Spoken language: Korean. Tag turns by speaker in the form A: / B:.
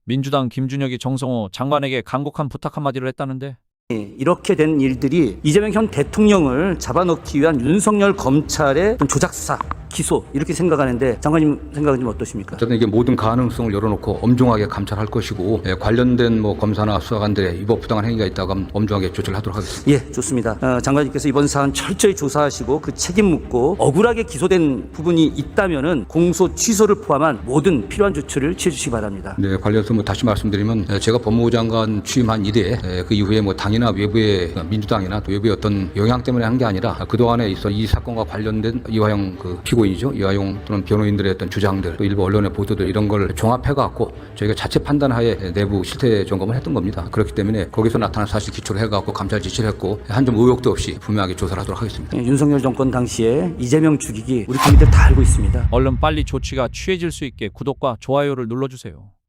A: 민주당 김준혁이 정성호 장관에게 간곡한 부탁 한마디를 했다는데
B: 이렇게 된 일들이 이재명 현 대통령을 잡아넣기 위한 윤석열 검찰의 조작 수사, 기소 이렇게 생각하는데 장관님 생각은 좀 어떠십니까?
C: 어쨌든 이게 모든 가능성을 열어놓고 엄중하게 감찰할 것이고 관련된 검사나 수사관들의 위법 부당한 행위가 있다고 하면 엄중하게 조치를 하도록 하겠습니다.
B: 예, 좋습니다. 장관님께서 이번 사안 철저히 조사하시고 그 책임 묻고 억울하게 기소된 부분이 있다면은 공소 취소를 포함한 모든 필요한 조치를 취해주시기 바랍니다.
C: 네, 관련해서 다시 말씀드리면 제가 법무부 장관 취임한 이래 그 이후에 당이나 외부의 민주당이나 또 외부의 어떤 영향 때문에 한 게 아니라 그동안에 있어 이 사건과 관련된 이화영 피고인이죠. 이화영 또는 변호인들의 어떤 주장들 또 일부 언론의 보도들 이런 걸 종합해갖고 저희가 자체 판단하에 내부 실태 점검을 했던 겁니다. 그렇기 때문에 거기서 나타난 사실 기초를 해갖고 감찰 지시를 했고 한 점 의혹도 없이 분명하게 조사를 하도록 하겠습니다.
B: 윤석열 정권 당시에 이재명 죽이기 우리 국민들 다 알고 있습니다.
A: 얼른 빨리 조치가 취해질 수 있게 구독과 좋아요를 눌러주세요.